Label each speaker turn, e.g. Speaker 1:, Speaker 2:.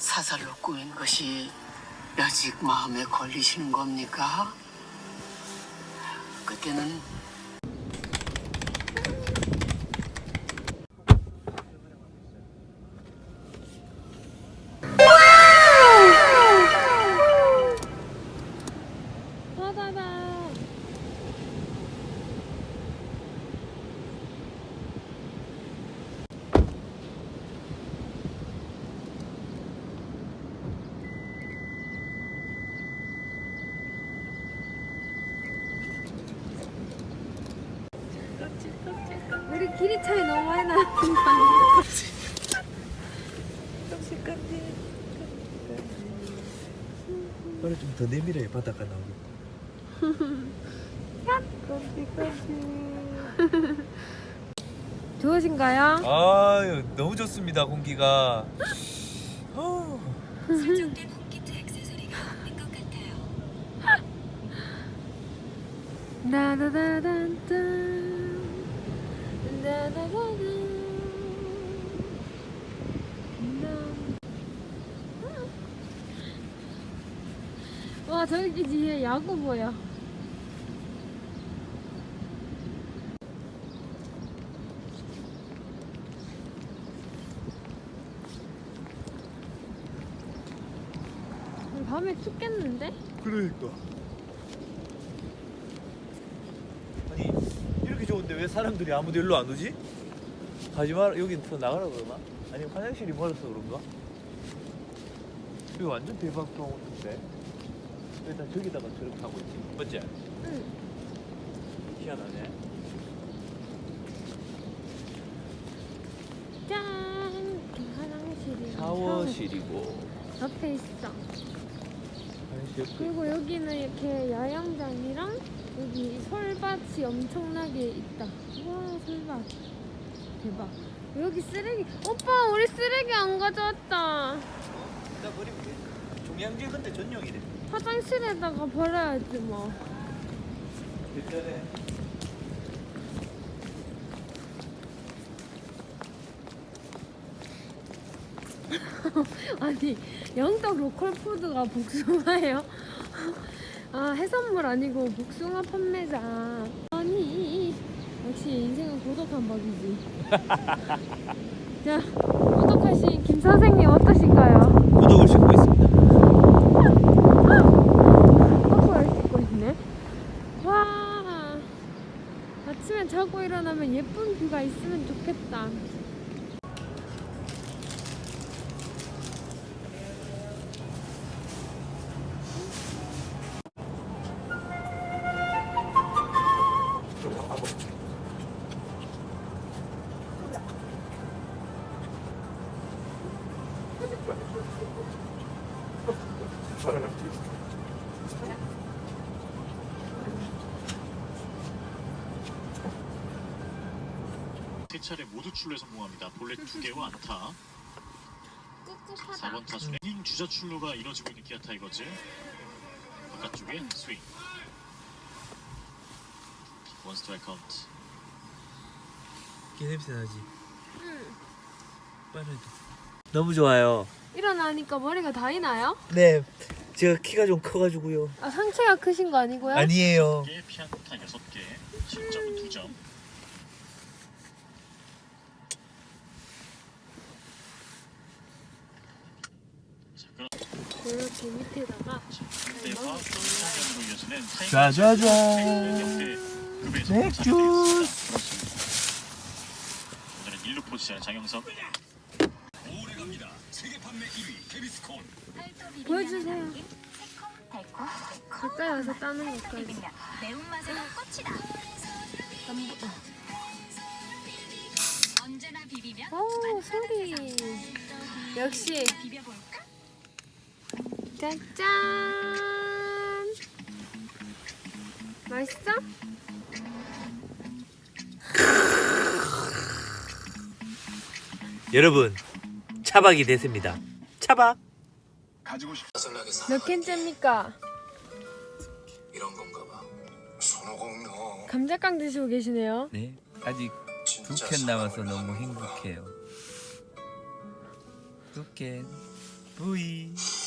Speaker 1: 사살로 꾸민 것이 여직 마음에 걸리시는 겁니까? 그때는
Speaker 2: 우리 길이 차이 너무 많이 나는 거 아니야?
Speaker 3: 그래 좀 더 내밀어야 바다가 나오겠다.
Speaker 2: 좋으신가요?
Speaker 3: 아유 너무 좋습니다 공기가.
Speaker 4: 설정된 홈키트 액세서리가 없는 것 같아요.
Speaker 2: 나다다단단 나다다단 와 저기 뒤에 야구 보여. 밤에 춥겠는데?
Speaker 3: 그러니까. 아니 이렇게 좋은데 왜 사람들이 아무도 일로 안 오지? 가지 마라 여기 더 나가라 그러나? 아니면 화장실이 멀어서 그런가? 이거 완전 대박 경우인데 일단 저기다가 저렇게 하고 있지 맞지?
Speaker 2: 응.
Speaker 3: 희한하네.
Speaker 2: 짠! 화장실이
Speaker 3: 샤워실이고
Speaker 2: 옆에 있어.
Speaker 3: 화장실 옆에
Speaker 2: 그리고 여기는 이렇게 야영장이랑 여기 솔밭이 엄청나게 있다. 와 솔밭 대박. 여기 쓰레기. 오빠 우리 쓰레기 안 가져왔다.
Speaker 3: 나 버리면 돼. 종량제 근데 전용이래.
Speaker 2: 화장실에다가 버려야지 뭐.
Speaker 3: 일단에
Speaker 2: 아니 영덕 로컬 푸드가 복숭아예요? 아 해산물 아니고 복숭아 판매자. 아니 역시 인생은 고독한 법이지. 자 구독하신 김 선생님 어떠신가요?
Speaker 3: 구독을 싣고 있습니다.
Speaker 2: 커플을 찍고 있네. 와 아침에 자고 일어나면 예쁜 뷰가 있으면 좋겠다.
Speaker 5: 세 차례 모두 출루에 성공합니다. 볼넷 2개와 안타.
Speaker 2: 꿉꿉하다.
Speaker 5: 4번 타순의 이닝 주자 출루가 이뤄지고 있는 기아 타이거즈. 바깥쪽에 스윙. 원 스트라이크 카운트.
Speaker 3: 개 냄새 나지?
Speaker 2: 응.
Speaker 3: 빠르게. 너무 좋아요.
Speaker 2: 일어나니까 머리가 다이나요?
Speaker 3: 네, 제가 키가 좀 커가지고요.
Speaker 2: 아 상체가 크신 거 아니고요?
Speaker 3: 아니에요.
Speaker 5: 5개, 피안타 6개, 실점은 2점.
Speaker 2: 이렇게 밑에다가
Speaker 5: 상대와 성견으로 이어지는 타이거즈.
Speaker 3: 짜자잔.
Speaker 5: 역대 급에서
Speaker 3: 맥주.
Speaker 5: 오늘은 1루 포지션 장영석.
Speaker 2: 보여주세요. 가까이 와서 따는 것까지.
Speaker 4: 매운맛에는 꽃이다. 언제나 비비면
Speaker 2: 오 소리. 역시
Speaker 4: 비벼볼까?
Speaker 2: 짠짠. 맛있어?
Speaker 3: 여러분, 차박이 됐습니다. 차박.
Speaker 2: 몇 캔째입니까?
Speaker 6: 이런 건가 봐. 손오공룡.
Speaker 2: 감자깡 드시고 계시네요.
Speaker 7: 네, 아직
Speaker 6: 진짜
Speaker 7: 2캔 남아서
Speaker 6: 사랑을
Speaker 7: 너무
Speaker 6: 하는구나.
Speaker 7: 행복해요. 2캔.
Speaker 3: 부이